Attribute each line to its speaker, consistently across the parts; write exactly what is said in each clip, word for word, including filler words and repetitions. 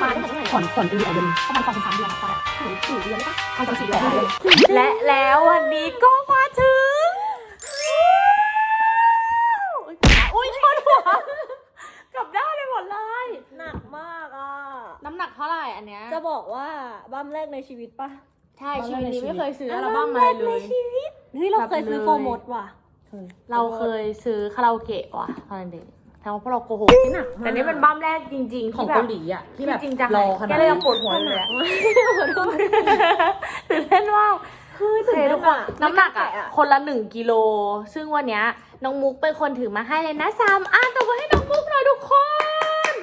Speaker 1: ประมาณผ่อนผ่อนปีเดียวเดือนประมาณสองถึงสามเดือนค่ะถึงสี่เดือนหรือเปล่าประมาณสี่เดือน
Speaker 2: และแล้ววันนี้ก็มาถึงอุ้ยชนหัวกลับด้านเลยหมดเลย
Speaker 3: หนักมากอ่ะ
Speaker 2: น้ำหนักเท่าไหร่อันเนี้ย
Speaker 3: จะบอกว่าบั้มแรกในชีวิตปะ
Speaker 2: ใช่ชีวิตนี้ไม่เคยซื้ออัลบั้มอะไรเลย
Speaker 3: เฮ้ยเราเคยซื้อโฟมดว่ะ
Speaker 2: เราเคยซื้อคาราโอเกะว่ะตอนเด็กแต่ว่าพวกเราโกหกแต่นี่เป็นบั้มแรกจริงๆ
Speaker 1: ของเกาหลีอ่ะที่แบบ
Speaker 2: จริงจัง
Speaker 1: รอขนาดแก
Speaker 2: เลยยังปวดหัวเลยตื่นเต้นว่าคือตื่นเต้นอ่ะน้ำหนักอ่ะคนละหนึ่งกิโลซึ่งวันเนี้ยน้องมุกเป็นคนถือมาให้เลยนะสามอันตบมือให้น้องมุกหน่อยทุกคน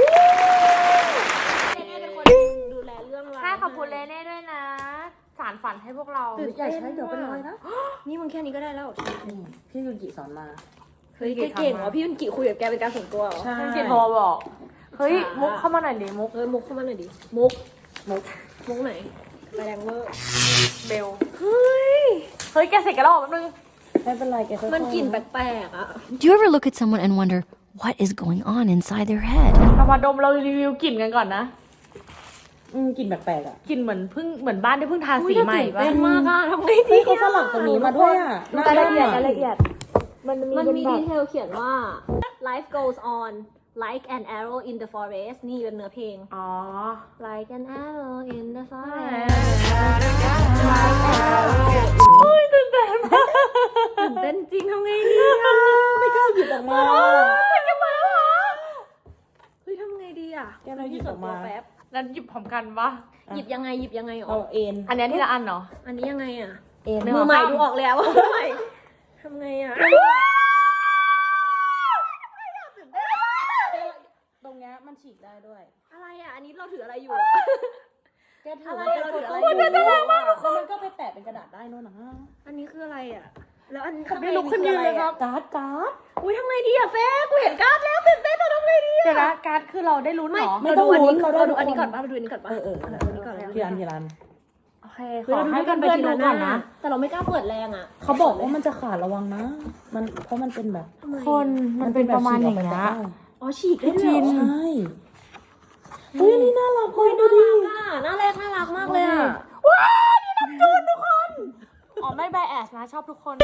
Speaker 3: เน่เป็นคนดูแลเรื่องราว
Speaker 2: ใช่ขอบคุณเลเน่ด้วยนะสารฝันให้พวกเรา
Speaker 1: ใหญ่ใช้เดี๋ยวเป็นรอยนะ
Speaker 3: นี่มึงแค่นี้ก็ได้แล้ว
Speaker 1: พี่ยุนกิสอนมา
Speaker 3: เฮ้ยเก่งว่ะพี่ยุนกิคุยกับแกเป็นการส่วนตัวเหรอ
Speaker 1: ใช่
Speaker 2: พี่โทรบอกเฮ้ยมุกเข้ามาหน่อยดิมุก
Speaker 3: เฮ้ยมุกเข้ามาหน่อยดิมุก
Speaker 1: มุก
Speaker 3: มุกไหนไปแรงเวอร์
Speaker 2: เบลเฮ้ยเฮ้ยแกเสร็จกันแล้วแป๊บนึง
Speaker 1: ไม่เป็นไรแก
Speaker 3: มันกลิ่นแปลกๆอ่ะ
Speaker 4: Do you ever look at someone and wonder what is going on inside their head
Speaker 2: เรามาดมเรารีวิวกลิ่นกันก่อนนะ
Speaker 1: อืมกลิ่นแปลกๆอ่ะ
Speaker 2: กลิ่นเหมือนเพิ่งเหมือนบ้านที่เพิ่งทาสีใหม่ป่ะ
Speaker 3: เป็นมากอ่ะทำไงดี
Speaker 1: เขาสลับตรงนี้มาด้วยอ่ะ
Speaker 3: รายละเอียดรายละเอียด
Speaker 2: มันมี
Speaker 3: มันมีดีเทลเขียนว่า life goes on like an arrow in the forest นี่เป็นเนื้อเพลง
Speaker 2: อ๋อ
Speaker 3: like an arrow in the forest
Speaker 2: โอ้ยตื่นเต้นมาก
Speaker 3: ตื่นเต้นจริงทำไงดีอ่ะ
Speaker 1: ไม่กล้าหยิบออกมา
Speaker 2: มันจะมาแล้วเหรอ
Speaker 3: เฮ้ยทำไงดีอ่ะ
Speaker 1: แกเราหยิบออกมา
Speaker 3: แป๊บ
Speaker 2: นั้นหยิบพร้อมกันปะ
Speaker 3: หยิบยังไงหยิบยังไงหรอ
Speaker 1: เอาเอ็น
Speaker 2: อันนี้ที่ละอันเนาะ
Speaker 3: อันนี้ยังไงอ่ะ
Speaker 1: เอ็น
Speaker 3: มือใหม่ดูออกแล้วมือใหม่ทำไงอ่ะ
Speaker 1: ตรงเนี้ยมันฉีกได้ด้วย
Speaker 3: อะไรอ่ะอันนี้เราถืออะไรอยู่
Speaker 1: แกถือ
Speaker 3: อะไร
Speaker 1: เราถืออะไร
Speaker 2: มันจะน่ารักมากทุกคน
Speaker 1: มันก็ไปแปะเป็นกระดาษได้นู่นนะ
Speaker 3: อันนี้คืออะไรอ่ะแล้วอัน
Speaker 2: ผมไม่ลุกขึ้นยืนเลยครับ
Speaker 1: การ์ดการ์ด
Speaker 3: อุ้ยทำไงดีอ่ะเฟ้กูเห็นการ์ดแล้วตื่นเต้นเราทำไงดีอ่ะ
Speaker 2: เดี๋ยวนะการ์ดคือเราได้ลุ้นเหรอ
Speaker 3: เราดูอันนี้เราดูอันนี้ก่อนป่ะเราดูอันนี้ก่อนป่ะ
Speaker 1: เออเออ
Speaker 3: อันนี้ก่อน
Speaker 1: ทีรันทีรัน
Speaker 2: โอเคขอให้กันเพื่อนดูก่อนนะ
Speaker 3: แต่เราไม่กล้าเปิดแรงอ่ะ
Speaker 1: เขาบอกว่ามันจะขาดระวังนะมันเพราะมันเป็นแบบ
Speaker 2: คนมันเป็นประมาณอย่างเงี้ย
Speaker 3: อ๋อฉีกได้ด้วย
Speaker 1: ใช่เฮ้ยนี่น่ารักเลยดูดิ
Speaker 3: น่ารักน่ารักมากเลยอ่ะ
Speaker 2: ว้าวนี่น้องจูนทุกคนอ๋อไม่ไบแอสนะชอบทุกคน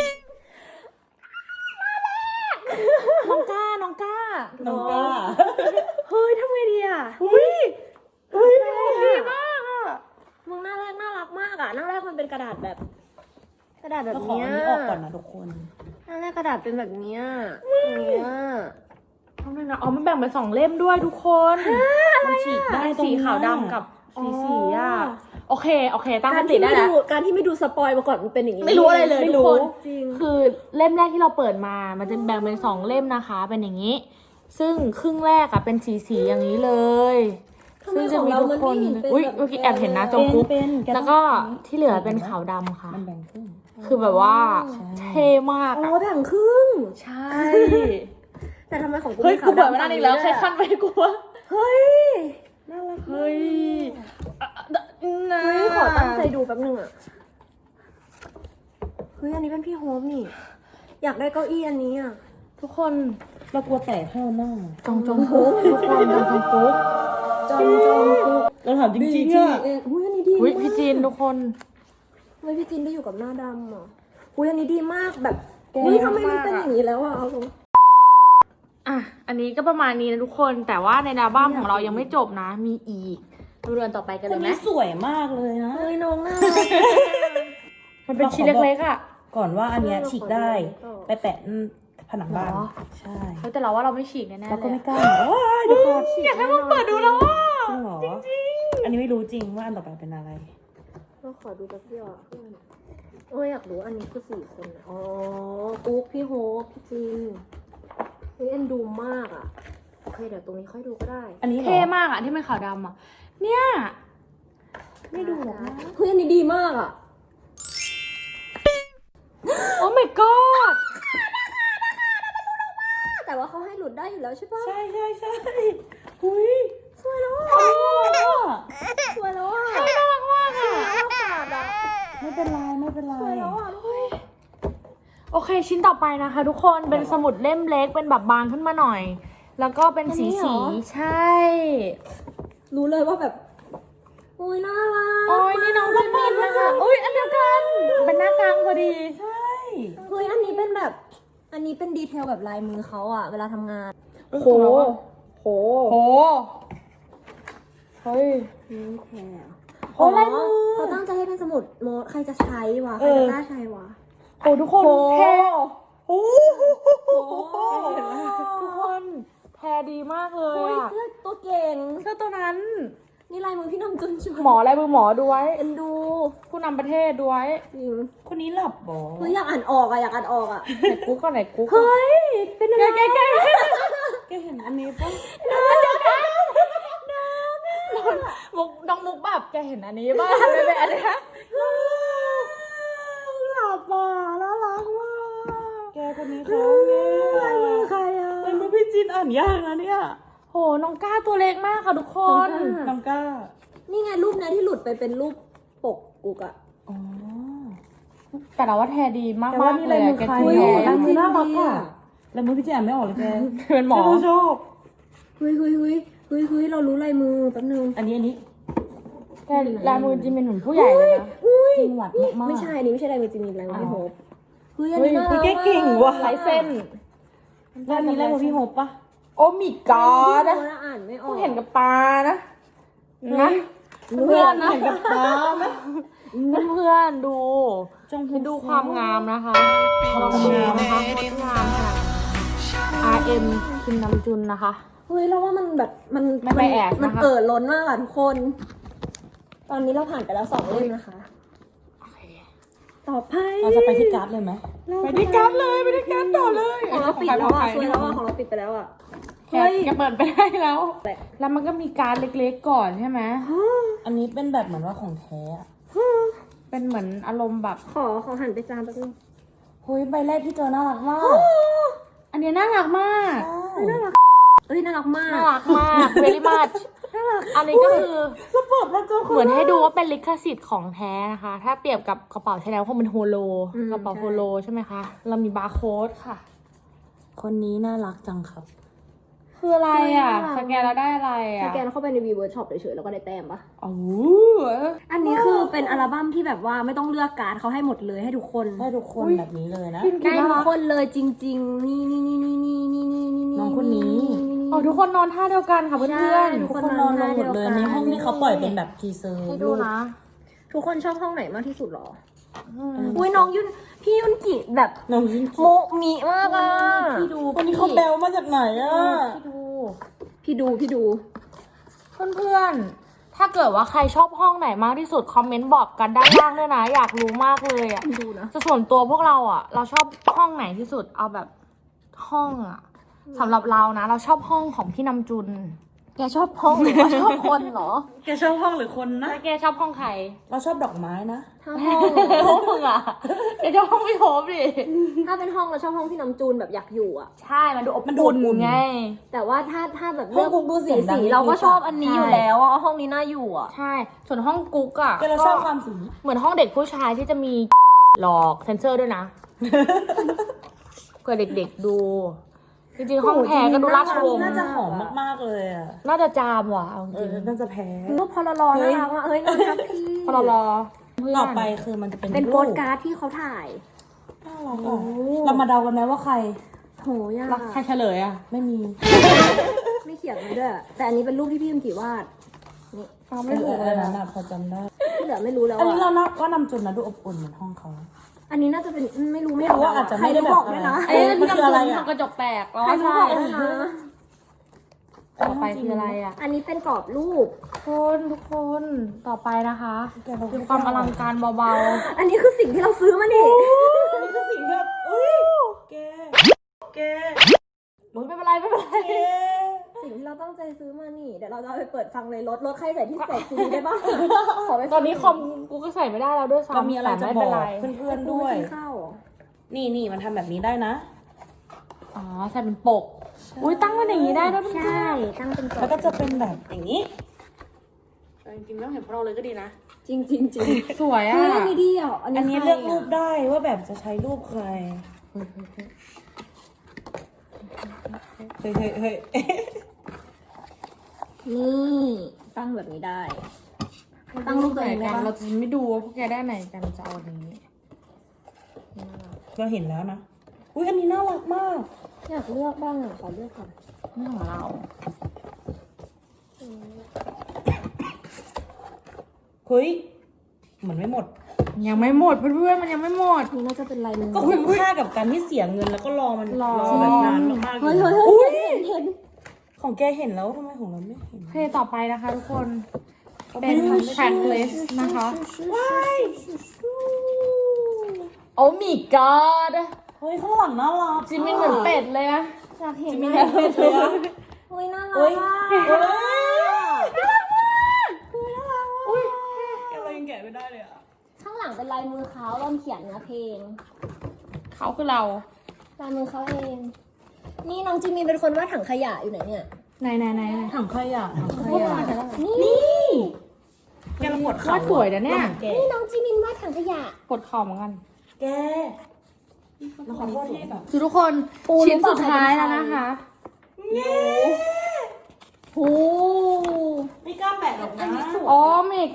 Speaker 2: น้องก้าน้องก้า
Speaker 1: น้องก้า
Speaker 3: เฮ้ยทำไงดีอ่ะ
Speaker 2: อุ้ยเฮ้ยดีมากอ่ะ
Speaker 3: มึงน่ารักน่ารักมากอ่ะน่ารักมันเป็นกระดาษแบบ กระดาษแบบนี้
Speaker 1: ขออันนี้ออกก่อนนะทุกคน
Speaker 3: น่ารักกระดาษเป็นแบบนี้เนี้ย
Speaker 2: ทำไมนะอ๋อมันแบ่งเป็นสองเล่มด้วยทุกคน
Speaker 1: มันฉีกได้
Speaker 2: สีขาวดำกับสีสีอ่ะโอเคโอเคตั้งสติได้
Speaker 3: แล้วการที่ไม่ดูสปอยมาก่อนมันเป็นอย่างนี้
Speaker 2: ไม่รู้อะไรเลย
Speaker 3: ไม่
Speaker 2: รู้
Speaker 3: จริง
Speaker 2: คือเล่มแรกที่เราเปิดมามันจะแบ่งเป็นสองเล่มนะคะเป็นอย่างนี้ซึ่งครึ่งแรกอะเป็นสีสีอย่างนี้เลยซึ่งจะมีทุกคนอุ้ยเมื่อกี้แอบเห็นนะจงกุ๊กแล้วก็ที่เหลือเป็นขาวดำค่ะ
Speaker 1: มันแบ่งครึ่ง
Speaker 2: คือแบบว่าเท่มาก
Speaker 3: อ๋อแบ่งครึ่ง
Speaker 2: ใช่
Speaker 3: แต่ทำไมของกู
Speaker 2: เฮ้ยกูเปิดมาได้อีกแล้วใครขั้นไปกูวะ
Speaker 3: เฮ้ย
Speaker 1: น่ารัก
Speaker 2: เฮ้ย
Speaker 3: เฮ้ยขอตั้งใจดูแป๊บนึงอ่ะเฮ้ยอันนี้เป็นพี่โฮมนี่อยากได้เก้าอี้อันนี้อ่ะ
Speaker 2: ทุกคน
Speaker 1: เรากลัวแตกเท่าหน้า
Speaker 2: จองจองกุ๊กทุกคนจองจองกุ๊ก
Speaker 1: จองจองกุ๊กเราถามจริงๆอ่ะ
Speaker 3: อุ้ยอันนี้ดี
Speaker 2: อุ้ยพี่จีนทุกคน
Speaker 3: เฮ้ยพี่จีนได้อยู่กับหน้าดำอ่ะอุ้ยอันนี้ดีมากแบบเฮ้ยทำไมมันเป็นอย่างนี้แล้วอ่ะเอาตรง
Speaker 2: อ่ะอันนี้ก็ประมาณนี้นะทุกคนแต่ว่าในอัลบั้มของเรายังไม่จบนะมีอีกดูเรือนต่อไปกันเลยไหม
Speaker 1: สวยมากเลยนะ
Speaker 3: เฮ้ยน้องน่า
Speaker 2: มันเป็นชิ้นเล็กๆอ่ะ
Speaker 1: ก่อนว่าอันเนี้ยฉีกได้ไปแปะผนังบ้านใช่
Speaker 2: แต่เราว่าเราไม่ฉีกแน่ๆเลย
Speaker 1: เราก็ไม่กล้าเดี๋ยวก่อน
Speaker 2: อยากให้มันเปิดดูแล้วว่า
Speaker 1: จริงจริงอันนี้ไม่รู้จริงว่าอันต่อไปเป็นอะไร
Speaker 3: ก็ขอดูแป๊บเดียวโอ้ยอยากรู้อันนี้คือสี่คนอ๋อกุ๊กพี่โฮปพี่จีนเฮ้ยเอ็นดูมากอ่ะโอเคเดี๋ยวตรงนี้ค่อยดูก็ได้
Speaker 2: อันนี้เท่มากอ่ะที่เป็นขาวดำอ่ะเนี่ย
Speaker 3: ไม่ดูหรอกนะเฮ้ยอันนี้ดีมากอ่ะ
Speaker 2: โอ้ my god
Speaker 3: แต่ว่าเขาให้หลุดได้อยู่แล้วใช่ปะ
Speaker 1: ใช่ใช่ใช่หุย
Speaker 3: สวยแล้วอ่ะสวยแล้วอ่ะ
Speaker 2: น่ารักมากอ่ะ
Speaker 1: ไม่เป็นไรไม่เป็นไร
Speaker 3: สวยแล้วอ่ะ
Speaker 2: โอเคชิ้นต่อไปนะคะทุกคนเป็นสมุดเล่มเล็กเป็นแบบบางขึ้นมาหน่อยแล้วก็เป็นสีสีใช่
Speaker 3: รู้เลยว่าแบบโอ้ยน่ารัก
Speaker 2: โอ้ยนี่น้องจิมินนะคะอุ้ยอันเดียวกันเป็นหน้ากลางพอดี
Speaker 3: เฮ้ยอันนี้เป็นแบบ อันนี้เป็นดีเทลแบบลายมือเขาอะเวลาทำงาน
Speaker 2: โอ้โหโหโหเฮ้ย
Speaker 3: นิ้วแขน
Speaker 2: โอ้ลายมือ
Speaker 3: เขาตั้งใจให้เป็นสมุดโน้ตใครจะใช้วะใครจะกล้าใช้วะ
Speaker 2: โอ้ทุกคนแท้โอ้ทุกคนแท้ดีมากเลย
Speaker 3: โอ้ย
Speaker 2: อะ
Speaker 3: เสื้อตัวเก่ง
Speaker 2: เสื้อตัวนั้น
Speaker 3: นี่ลายมือพี่น้ำจุนชวน
Speaker 2: หมอลายมือหมอด้วย
Speaker 3: เอ็นดู
Speaker 2: ผู้นำประเทศด้วย
Speaker 3: จริง
Speaker 5: คนนี้หลับบ่
Speaker 3: เฮ้ยอยากอ่านออกอะอยากอ่านออกอะ
Speaker 2: ไหนกุ๊กก็ไหนกุ๊ก
Speaker 3: เฮ้ยเป็นอะไร
Speaker 2: แกแกแก
Speaker 5: แกเห็นอันนี้ปะ
Speaker 2: มุกน้องมุกแบบแกเห็นอันนี้บ้างไม่เป็นอันนี้
Speaker 5: หลับอ่ะน่ารักมากแกคนนี้เขาเนี่ย
Speaker 3: ลายมือใครอะ
Speaker 5: ลายมือพี่จินอ่านยากนะเนี่ย
Speaker 2: โหน้องก้าตัวเล็กมากค่ะทุกคน
Speaker 5: น้องก้า
Speaker 3: นี่ไงรูปเนี้ยที่หลุดไปเป็นรูปปกกุกอะ
Speaker 5: อ๋อ
Speaker 2: แต่เราว่าแทดีมาก
Speaker 5: แต่
Speaker 2: มา
Speaker 5: ว่าก นี่
Speaker 2: เล
Speaker 5: ลาย
Speaker 2: ย
Speaker 5: มื
Speaker 2: อะ
Speaker 5: อ
Speaker 2: แก
Speaker 5: ใคร
Speaker 2: คือ
Speaker 5: อ่ะ
Speaker 2: แท้
Speaker 5: ลายมือน่ารักอ่ะลายมือพี่จินอ่านไม่ออกเลยแก
Speaker 2: เป็นหมอ
Speaker 5: แกก็ชอบ
Speaker 3: เฮ้ยเฮ้ยเฮ้ยเฮ้ยเฮ้ยเรารู้ลายมือแป๊บนึง
Speaker 5: อันนี้อันนี้
Speaker 2: แกลายมือจิมเป็นเหมือนผู้ใหญ่เลยนะ
Speaker 3: อุ้ย
Speaker 5: จริงหวัดมากๆ
Speaker 3: ไม่ใช่อันนี้ไม่ใช่ลายมือจิมมี่ลายมือพี่โฮปเฮ้ยอัน
Speaker 2: เฮ้ย
Speaker 3: นี้น่ารัก
Speaker 5: แกเก่งว่ะ
Speaker 2: ลายเส้น
Speaker 5: แล้วอันนี้ลายมือพี่โฮปปะ
Speaker 2: โอ้มีกอด
Speaker 3: นะ
Speaker 2: นะ
Speaker 3: อ่านไม่ออ
Speaker 2: เพิ่
Speaker 3: ก
Speaker 2: งเห็นกับตานะนะเพื่อนนะ
Speaker 5: เห็นกับตาไหม
Speaker 2: เพื่อนๆดู
Speaker 5: จง
Speaker 2: ให้ดูความงามนะคะลองดูนะคะงดงามค่ะ อาร์ เอ็ม คิมนำจุนนะคะ
Speaker 3: เฮ้ยเราว่ามันแบบมัน
Speaker 2: ไม่ไปแอบ
Speaker 3: มัน
Speaker 2: นะคะ
Speaker 3: เอ่อล้นมากอะทุกคน ตอนนี้เราผ่านไปแล้วสองเล่มนะคะ ต่อไป
Speaker 5: เราจะไปที่การ์ดเลยไหม
Speaker 2: ไปที่การ์ดเลยไปที่การ์ดต่อเลย
Speaker 3: ของเราปิดแล้วอะ
Speaker 2: ข
Speaker 3: ส
Speaker 2: อง
Speaker 3: วย
Speaker 2: ใคร
Speaker 3: แล้วอะของเราปิดไปแล้วอะ
Speaker 2: แกแกเปิดไปได้แล้ว
Speaker 3: แต่
Speaker 2: แล้วมันก็มีการ์ดเล็กๆก่อนใช่ไหม
Speaker 5: อันนี้เป็นแบบเหมือนว่าของแท้อะ
Speaker 2: เป็นเหมือนอารมณ์แบบ
Speaker 3: ขอขอหันไปจานแป๊บนึง
Speaker 5: เฮ้ยใบแรกที่เจอน่ารักมาก
Speaker 2: อันเนี้ยน่ารักมาก
Speaker 3: เอ้ยน่ารักมาก
Speaker 2: น่ารักมาก very much อันนี้ก็คือ
Speaker 5: แล้วเปิดมาเจอคน
Speaker 2: เหมือนให้ดูว่าเป็นลิขสิทธิ์ของแท้นะคะ ถ้าเปรียบกับกระเป๋าใช้แล้วคงเป็นโฮโล กระเป๋าโฮโลใช่ไหมคะ เรามีบาร์โค้ดค่ะ
Speaker 5: คนนี้น่ารักจังครับ
Speaker 2: คืออะไรอ่ะ สแกนแล้วได้อะไร
Speaker 3: ส
Speaker 2: อ่ะ
Speaker 3: แกนเข้าไปในวีเวิร์ดช็อปเฉยๆแล้วก็ได้แต้มปะ
Speaker 2: โอ้
Speaker 3: อันนี้คือเป็นอัลบั้มที่แบบว่าไม่ต้องเลือกการ์ดเขาให้หมดเลยให้ทุกคน
Speaker 5: ได้ทุกคนแบบนี้เลยนะ
Speaker 3: ได้ทุกคนเลยจริง ๆ นี่นี่นี่นี่นี่นี่นี่นี่
Speaker 5: น้องคนนี้
Speaker 2: โอ้ทุกคนนอนท่าเดียวกันค่ะเพื่
Speaker 3: ใช่
Speaker 2: อน
Speaker 3: ทุ
Speaker 5: ทุกคนนอนลงหมดเลยในห้องที่เขาปล่อยเป็นแบบทีเซอร์
Speaker 2: ๆให้ดูนะ
Speaker 3: ทุกคนชอบห้องไหนมากที่สุดหรอ
Speaker 2: อืม
Speaker 3: อุ้ยน้องยุนพี่ยุนกิแบบ
Speaker 5: น้องยิน
Speaker 3: โมมีมากอ่ะ
Speaker 2: พี่ดู
Speaker 5: คนนี้เขาแบลมาจากไหนอ่ะ
Speaker 2: พี่ดู
Speaker 3: พี่ดูพี่ดู
Speaker 2: เพื่อนๆ ถ้าเกิดว่าใครชอบห้องไหนมากที่สุดคอมเมนต์บอกกันด้านล่างด้วยนะ อยากรู้มากเลยอ่ะ
Speaker 3: ดูนะ
Speaker 2: ส่วนตัวพวกเราอ่ะ เราชอบห้องไหนที่สุด เอาแบบห้องอ่ะสำหรับเรานะ เราชอบห้องของพี่นำจุน แกชอบห้องหรือว่าชอบคนเหรอ
Speaker 5: แกชอบห้องหรือคนนะ
Speaker 2: แล้วแกชอบห้องใคร
Speaker 5: เราชอบดอกไม้นะ
Speaker 3: ถ้าห้อง
Speaker 2: ห้องมึงอ่ะแกชอบห้องพี่โฮปดิ
Speaker 3: ถ้าเป็นห้องเราชอบห้องพี่น้ำจูนแบบอยากอยู่อ่ะ
Speaker 2: ใช่ มันดูอบ
Speaker 5: มันดู
Speaker 2: อุ่
Speaker 5: อบอุ่
Speaker 2: น
Speaker 5: น
Speaker 2: ไง
Speaker 3: แต่ว่าถ้าถ้าแบบ
Speaker 5: ห้องกุ๊กดูเสี
Speaker 3: สี
Speaker 5: ยงดัง
Speaker 3: สี
Speaker 5: นิดๆ
Speaker 3: เราก็ชอบอันนี้
Speaker 2: ใช่
Speaker 3: อยู่แล้วอ่ะห้องนี้น่าอยู่อ่ะ
Speaker 2: ใช่ ส่วนห้องกุ๊กอ่ะ
Speaker 5: แกเราชอบความสี
Speaker 2: เหมือนห้องเด็กผู้ชายที่จะมีหลอกเซนเซอร์ด้วยนะ เพื่อเด็กๆดู จริงๆ ห้องแพรก็ดูราชวงศ์
Speaker 5: น่าจะหอมมากๆเลยอ่ะ
Speaker 2: น่าจะจามว่ะเอาจ
Speaker 5: เอ
Speaker 2: ริ
Speaker 5: อง น่าจะแพ้
Speaker 3: รูปพลลอน่ารักว่ะเอ้ยน่ารักพี่
Speaker 2: พอเรารอเพื่อน
Speaker 5: ต่อไปคือมันจะเป็น
Speaker 3: เป็น
Speaker 5: รู
Speaker 3: โปสการ์ดที่เขาถ่าย
Speaker 5: น่ารักอ่ะเรามาเดากันไหมว่าใคร
Speaker 3: โหยาก
Speaker 2: รักใครเฉลยอ่ะ
Speaker 5: ไม่มี
Speaker 3: ไม่เขียนไว้ด้วยแต่อันนี้เป็นรูปที่พี่ยุนกิวาดนี่
Speaker 2: ฟัง
Speaker 5: เอ
Speaker 2: ไม่
Speaker 5: อ
Speaker 2: ถูก
Speaker 5: เอ
Speaker 2: เล
Speaker 5: อย นั้
Speaker 2: นะ
Speaker 5: นอ่ะพอจำได้
Speaker 3: ที่เหลือไม่รู้แล้ว
Speaker 5: อันนี้เรา
Speaker 3: อ่ะ
Speaker 5: นับว่านำจุนนะดูอบอุ่นเหมือนห้องเขา
Speaker 3: อันนี้น่าจะเป็นไม่รู้
Speaker 5: ไม่รู้ว่าอาจจะไม่ได้
Speaker 3: ใครรู้
Speaker 5: แบบ
Speaker 3: บอกด้วยนะ
Speaker 5: เอ๊ะมันคืออะไรอ่ะ
Speaker 2: กระจกแตกแล้ว
Speaker 3: ใครรู้
Speaker 2: ใช่
Speaker 3: บอกด้วยนะ
Speaker 2: ต่อไปคืออะไรอ่ะ
Speaker 3: อันนี้เป็นกรอบรูป
Speaker 2: คนทุกคนต่อไปนะคะ
Speaker 5: แกเรา
Speaker 2: คือความอลังการเบา
Speaker 3: อันนี้คือสิ่งที่เราซื้อมานี่
Speaker 5: อันนี้คือสิ่งที่แบบอุ้ยแกแก
Speaker 2: ๆมึงไม่เป็นไรไม่เป็นไร
Speaker 5: แก
Speaker 3: สิ่งที่เราตั้งใจซื้อมานี่ เดี๋ยวเราจะเอาไปเปิดฟังในรถ รถใครใส่ที่ใส่ซีดีได้บ้างขอไปฟัง
Speaker 2: ตอนนี้คอมกูก็ใส่ไม่ได้แล้วด้วยซ้ำ
Speaker 5: เรามีอะไรจะ
Speaker 2: แต่
Speaker 5: บ
Speaker 2: ไม่
Speaker 5: อ
Speaker 2: เป็น
Speaker 5: ก
Speaker 2: ไร
Speaker 5: เพื่อนๆ
Speaker 3: ด้
Speaker 5: ด้
Speaker 3: ว
Speaker 5: วย ย
Speaker 3: ข้าวเหรอ
Speaker 5: นี่นี่มันทำแบบนี้ได้นะ
Speaker 2: อ๋อใส่เป็นปก อุ้ยตั้งมันอย่างนี้ได้ด้วยเพื่อน
Speaker 3: ใช่ตั้งเป็นกรอบ
Speaker 5: แล้วก็จะเป็นแบบอย่างนี้
Speaker 2: จริงๆต้องเห็นพวกเราเลยก็ดีนะ
Speaker 3: จริงจริงจริง
Speaker 2: สวย
Speaker 3: เฮ้
Speaker 2: อ่ะ
Speaker 3: ยอันนี้ดีอ่ะอันนี้
Speaker 5: อันนี้
Speaker 3: ใค
Speaker 5: เลือกรูป
Speaker 3: ะ
Speaker 5: ได้ว่าแบบจะใช้รูปใคร เฮ้ยเฮ้ยเฮ้ย
Speaker 3: นี่ตั้งแบบนี้ได้ ตั้งรูปตัวเองได้
Speaker 2: กัน
Speaker 3: ปะ
Speaker 2: เราจะไม่ดูว่าพวกแกได้ไหนกันจะเอาอันนี้
Speaker 5: เราเห็นแล้วนะ อุ้ยอันนี้น่ารักมาก
Speaker 3: อยากเลือกบ้างอ่ะขอเลือกก่อน
Speaker 2: นี่ของเรา
Speaker 5: เฮ้ย เหมือนไม่หมด
Speaker 2: ยังไม่หมดเพื่อนๆมันยังไม่หมด
Speaker 3: นี่น่าจะเป็นลายมือ
Speaker 5: ก็คุ้มค่ากับการที่เสียเงินแล้วก็รอมัน
Speaker 2: รอ
Speaker 5: แบบนานมากๆ
Speaker 3: เฮ้ย
Speaker 5: เล
Speaker 3: เฮ้
Speaker 5: ย
Speaker 3: ยเฮ้ยเห็นเห็น
Speaker 5: ของแกเห็นแล้วทำไมของเราไม่เห็น
Speaker 2: โอเคต่อไปนะคะทุกคน เป็น checklist นะคะ โอ้ my god
Speaker 5: เฮ้ยข้างหลังน่ารัก
Speaker 2: จิมมินเหมือนเป็ดเลยนะ
Speaker 3: อยากเห็น
Speaker 5: จิมมี่
Speaker 3: นะ
Speaker 5: แอนเป็ดเลยอะ
Speaker 3: เฮ้ยน่ารั
Speaker 5: เฮ้
Speaker 3: ก
Speaker 5: ย
Speaker 3: อ่ะ
Speaker 5: เฮ้ยแกเรายังแกะไม่ได้เลยอะ
Speaker 3: ข้างหลังเป็นลายมือเขาเราเขียนเนื้อเพลง
Speaker 2: เขาคือเรา
Speaker 3: ลายมือเขาเอง นี่น้องจิมมี่เป็นคนวาดถังขยะอยู่ไหนเนี่ย
Speaker 2: ไหนไหนไหนไหน
Speaker 5: ถังขยะถังข
Speaker 3: นี่
Speaker 5: ยะ
Speaker 3: นี่
Speaker 5: แกเราปวด
Speaker 2: วา
Speaker 5: เข่า
Speaker 2: ดสวยนะเนี่ย
Speaker 5: แก
Speaker 3: นี่น้องจิมมี่วาดถังขยะ
Speaker 2: ปวดคอเหมือนกัน
Speaker 5: แกเราขอโทษที่แบบ
Speaker 2: คือทุกคน
Speaker 3: ปู
Speaker 2: ชิ้น
Speaker 3: รู้เปล่า
Speaker 2: สุดท้าย
Speaker 3: ใครเป็น
Speaker 2: แล้ว
Speaker 3: ใคร
Speaker 2: นะคะ
Speaker 3: โอ้
Speaker 5: ไม่กล้าแปะหรอกนะ
Speaker 2: โอ้ my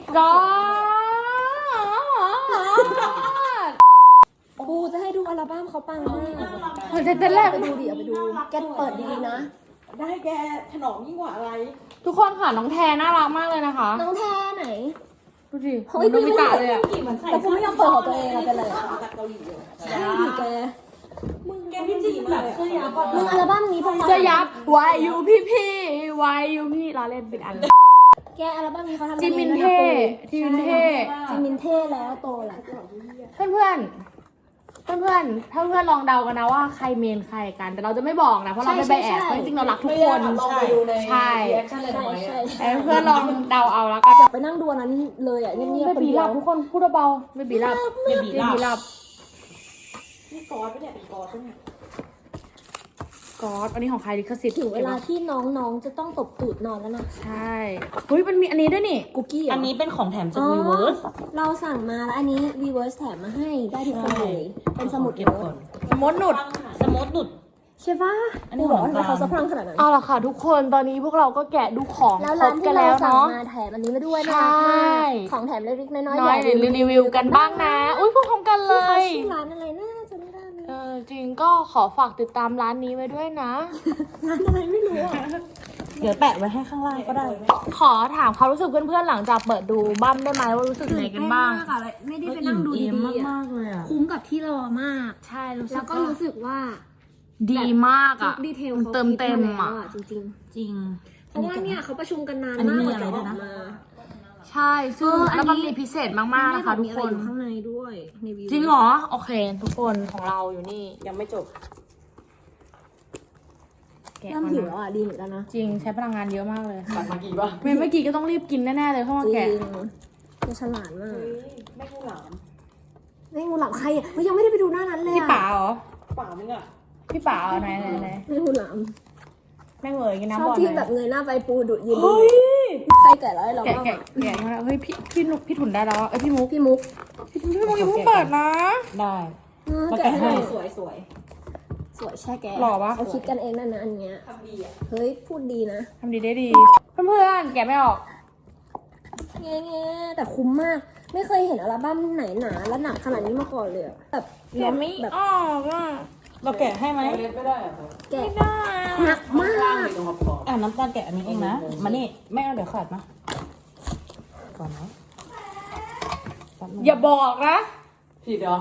Speaker 2: god
Speaker 3: ปูจะให้ดูอัลบั้มเขาปังมาก
Speaker 2: เฮ้ยแต่แรก
Speaker 3: ไปดูดิเอาไปดู แกเปิดดีๆนะ
Speaker 5: ได้แกถนอมยิ่งกว่าอะไร
Speaker 2: ทุกคนค่ะน้องแทนน่ารักมากเลยนะคะ
Speaker 3: น้องแทไหน
Speaker 2: ดูดิ
Speaker 3: เฮ้ย
Speaker 2: โนบิตะเลยอะ
Speaker 3: แต่ปูไม่ยอมเปิดของตัวเองอะเป็นไรอะ
Speaker 5: จากเกาหลีเลย
Speaker 3: ใช่ดิแก
Speaker 5: มึงแกพี่จีนแบบเสื้อยาว
Speaker 3: มึงอัลบั้มนี้พวกเขา
Speaker 2: จะยับ why you พี่พี่ why you พี่เราเล่นปิดอัน
Speaker 3: แกอัลบั้มนี้เขาทำ
Speaker 2: จิมมินเท่ จิมมินเท่
Speaker 3: จิมมินเท่แล้วโตแล้ว
Speaker 2: เพื่อนเพื่อนเพื่อนเพื่อนๆถ้าเพื่อนลองเดากันนะว่าใครเมนใครกัน แต่เราจะไม่บอกนะ เพราะเราไม่ไปแอบเพราะจริงๆเรารักทุกคน
Speaker 5: ใช่
Speaker 2: ใช่
Speaker 3: ใช่ใช่
Speaker 2: แต่เพื่อนลองเดาเอาแล้วกัน
Speaker 3: อยากไปนั่งดูอันนั้นเลยอ่ะเงียบ
Speaker 2: เบ
Speaker 3: ๆคน
Speaker 2: บี
Speaker 3: เดี
Speaker 2: ห
Speaker 3: ย
Speaker 2: ลั
Speaker 3: ว
Speaker 2: บทุกคนพูดเบาๆเบบีหลับ
Speaker 5: เบบี
Speaker 2: เบ
Speaker 5: ลา
Speaker 2: บีหลับ
Speaker 5: นี่กอดปะเนี่ยเป็นกอดปะเนี่ย
Speaker 2: กอดอันนี้ของใครลิขสิทธิ์
Speaker 3: ถึงเวลาที่น้องๆจะต้องตบตูดนอนแล้วนะ
Speaker 2: ใช่เฮ้ยมันมีอันนี้ด้วยนี่
Speaker 3: กุกกี้เหรอ
Speaker 5: อั
Speaker 3: อั
Speaker 5: นนี้เป็นของแถมจากวีเวิร์ส
Speaker 3: เราสั่งมาแล้วอันนี้ Weverse แถมมาให้ได้ทุกคนเลย เป็นสมุด
Speaker 5: เก็บ
Speaker 3: โน้
Speaker 5: ก่อ
Speaker 3: ต
Speaker 5: น
Speaker 2: มดหนุด
Speaker 5: สมดหนุด
Speaker 3: ใช่ปะ
Speaker 5: อันนี้
Speaker 3: กูบอกว่า
Speaker 5: ของ
Speaker 3: ทำไมเขา
Speaker 5: กลาง
Speaker 3: สะพรั่งขนาดนั้น
Speaker 2: เอาละค่ะทุกคนตอนนี้พวกเราก็แกะดูของ
Speaker 3: แล้ว
Speaker 2: คร
Speaker 3: ร้า
Speaker 2: บ
Speaker 3: น
Speaker 2: กั
Speaker 3: ที่
Speaker 2: น
Speaker 3: เรา
Speaker 2: แล้ว
Speaker 3: สั่ง
Speaker 2: เนาะ
Speaker 3: มาแถมอันนี้มาด้วยนะ
Speaker 2: ใช่
Speaker 3: ของแถมเล็กๆน้อยๆ
Speaker 2: น้อย
Speaker 3: อ
Speaker 2: เดี๋
Speaker 3: ย่า
Speaker 2: ยวรีวิวกันบ้างนะ อุ้ยพูดพร้อมกันเล
Speaker 3: ที่เขา
Speaker 2: ย
Speaker 3: ชื่อร้านอะไรนะจำไม่ได้เลย
Speaker 2: เออจริงก็ขอฝากติดตามร้านนี้ไว้ด้วยนะ
Speaker 3: ร้านอะไรไม่รู้อ่ะ
Speaker 5: เดี๋ยวแปะไว้ให้ข้างล่างก็ได้
Speaker 2: ขอถามความรู้สึกเพื่อนๆหลังจากเปิดดูบั้มได้ไหมว่ารู้สึกยังไงกันบ้าง
Speaker 3: มากอะไม่ได้ไปนั่งดูดีๆอะ
Speaker 5: มากๆเลยอ่ะ
Speaker 3: คุ้มกับที่รอมาก
Speaker 2: ใช่รู้สึ
Speaker 3: แล้ว
Speaker 2: ก
Speaker 3: ก็รู้สึกว่า
Speaker 2: ดีมาก
Speaker 3: ทุ
Speaker 2: อ่ะ
Speaker 3: กดีเทล
Speaker 2: มัน
Speaker 3: เขา
Speaker 2: เติม
Speaker 3: คิด
Speaker 2: เต็ม
Speaker 3: มา
Speaker 2: อ่ะ
Speaker 3: แล้วจริง
Speaker 5: จริง
Speaker 3: ๆ เพราะว่าเนี่ยเขาประชุมกันนาน
Speaker 5: อันนี้
Speaker 3: มาก
Speaker 5: มี
Speaker 3: กว่า
Speaker 5: อะไร
Speaker 3: จะอ
Speaker 5: ด้วย
Speaker 3: อก
Speaker 5: นะ
Speaker 3: มา
Speaker 2: ใช่ซึ่ง
Speaker 3: เอออันนี้
Speaker 2: แล้วมันมีพิเศษมากๆนะคะทุก
Speaker 3: มีอะ
Speaker 2: ค
Speaker 3: ไร
Speaker 2: น
Speaker 3: อยู่ข้างในด้วยในวิว
Speaker 2: จริงเหรอ โอเค ทุกคนของเราอยู่นี่
Speaker 5: ยังไม่จบ
Speaker 2: แกะ
Speaker 3: เริ่ม
Speaker 2: ก่อน
Speaker 3: หิว
Speaker 2: นะ
Speaker 3: แล้วอ่ะดีเหมือนกันนะ
Speaker 2: จริงใช้พลังงานเยอะมากเลย
Speaker 5: ตัดมากี่ปะ
Speaker 2: ไม่เมื่อกี้ก็ต้องรีบกินแน่ๆเลยเพราะว่า
Speaker 3: จริ
Speaker 2: แกะ
Speaker 3: งแกฉลาดมาก
Speaker 5: ไม่กูหลาม
Speaker 3: ไม่งูหลามใครอ่ะเฮ้ยยังไม่ได้ไปดูหน้านั้นเลย
Speaker 2: พี่
Speaker 3: อ่ะ
Speaker 2: ป๋าเหรอ
Speaker 5: ป่ามึงอ่ะ
Speaker 2: พี่ป๋าเหรอไหนไหนไหน
Speaker 3: ไม่งูหลาม
Speaker 2: แม่งเวยกิน
Speaker 3: ช
Speaker 2: น้ำ
Speaker 3: อ
Speaker 2: บ่
Speaker 3: บ
Speaker 2: อน
Speaker 3: ที่
Speaker 2: ไห
Speaker 3: แบ
Speaker 2: น
Speaker 3: บเงยหน้าไปปูดุยืนดูใครแก่แล้วให้เรา
Speaker 2: แกะ
Speaker 3: บ้าง
Speaker 2: แกะ
Speaker 3: อะ
Speaker 2: แกะมาแล้วเฮ้ยพี่พี่นุกพี่ถุนได้แล้วอะเอ้ยพี่มุก
Speaker 3: พี่มุก
Speaker 2: พี่ถุนพี่มุกยังเพิ่งเปิดนะ
Speaker 5: ได้
Speaker 3: เออ
Speaker 5: มา
Speaker 3: แกะ
Speaker 5: แกะ
Speaker 3: ให้
Speaker 5: ให้
Speaker 3: หน่อย
Speaker 5: สวยสวย
Speaker 3: สวยแช่แกะ
Speaker 2: หล่อปะ
Speaker 3: เขาคิดกันเองนั่นนะอันเนี้ย
Speaker 5: ทำดีอ่ะ
Speaker 3: เฮ้ยพูดดีนะ
Speaker 2: ทำดีได้ดี เพื่อนๆแกะไม่ออก
Speaker 3: แง่ๆแต่คุ้มมาก ไม่เคยเห็นอัลบั้มไหนหนาและหนักขนาดนี้มาก่อนเลยอะแบบ
Speaker 2: แกะไม่
Speaker 3: แบบ
Speaker 2: ออกอ่ะ
Speaker 5: เราแกะให้ไหม
Speaker 3: แกะหนักมาก
Speaker 5: อ่าน้ำตาลแกะอันนี้เองนะ มานี่แม่เอาเดี๋ยวขาดมาก่อนนะแป๊บนึง
Speaker 2: อย่าบอกนะ
Speaker 5: ผิดเหรอ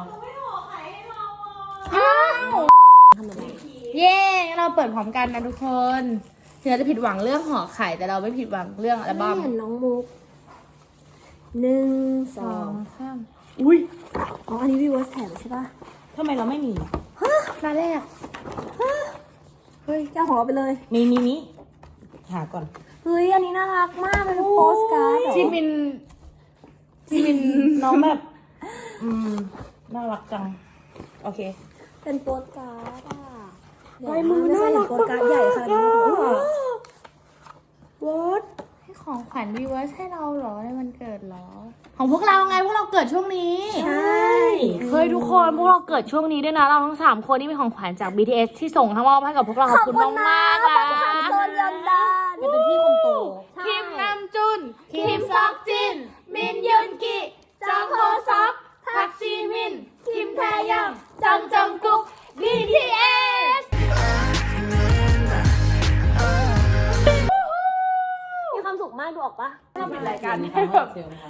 Speaker 2: อ้าวเย้เราเปิดพร้อมกันนะทุกคนถึงเราจะผิดหวังเรื่องห่อไข่แต่เราไม่ผิดหวังเรื่องอัลบั้ม
Speaker 3: ไม่เห็นน้องมุกหนึ่งส
Speaker 2: ส
Speaker 3: อ
Speaker 2: อง งสามอุ้ย
Speaker 3: อ๋ออันนี้วีเวิร์สแถมใช่ปะ
Speaker 5: ทำไมเราไม่มี
Speaker 2: หน้าแรก
Speaker 3: เฮ้ยเจ้าของเราไปเลย
Speaker 5: มีมีมีหาก่อน
Speaker 3: เฮ้ยอันนี้น่ารักมากเป็นโปสการ์ดเหรอ
Speaker 2: จิมินจิมิน
Speaker 5: น้องแบบ อืม น่ารักจัง โอเค
Speaker 3: เป็นโปสการ์ดอ่ะลายมือน่ารักโปสการ์ดใหญ่ขนาดนี้มาก่อน
Speaker 2: วอตให้ของขวัญวีเวิร์สให้เราเหรอในวันเกิดเหรอของพวกเราไงพวกเราเกิดช่วงนี้
Speaker 3: ใช่
Speaker 2: เฮ้ยทุกคนพวกเราเกิดช่วงนี้ด้วยนะเราทั้งสามคนนี่เป็นของขวัญจาก บี ที เอส ที่ส่งทั้งมอบให้กับพวกเราขอบคุณมากมากๆนะ
Speaker 3: โซนยอนดาน
Speaker 5: มันเป็นพี่คนโต
Speaker 2: คิมนำจุน คิมซอกจิน มินยุนกิจองโฮซอกพักจีมิน คิมแทยังจองจองกุ๊ก บี ที เอส
Speaker 3: มีความสุขมากดูออกปะ
Speaker 2: ทำเป็นรายการ
Speaker 5: ให้แบบ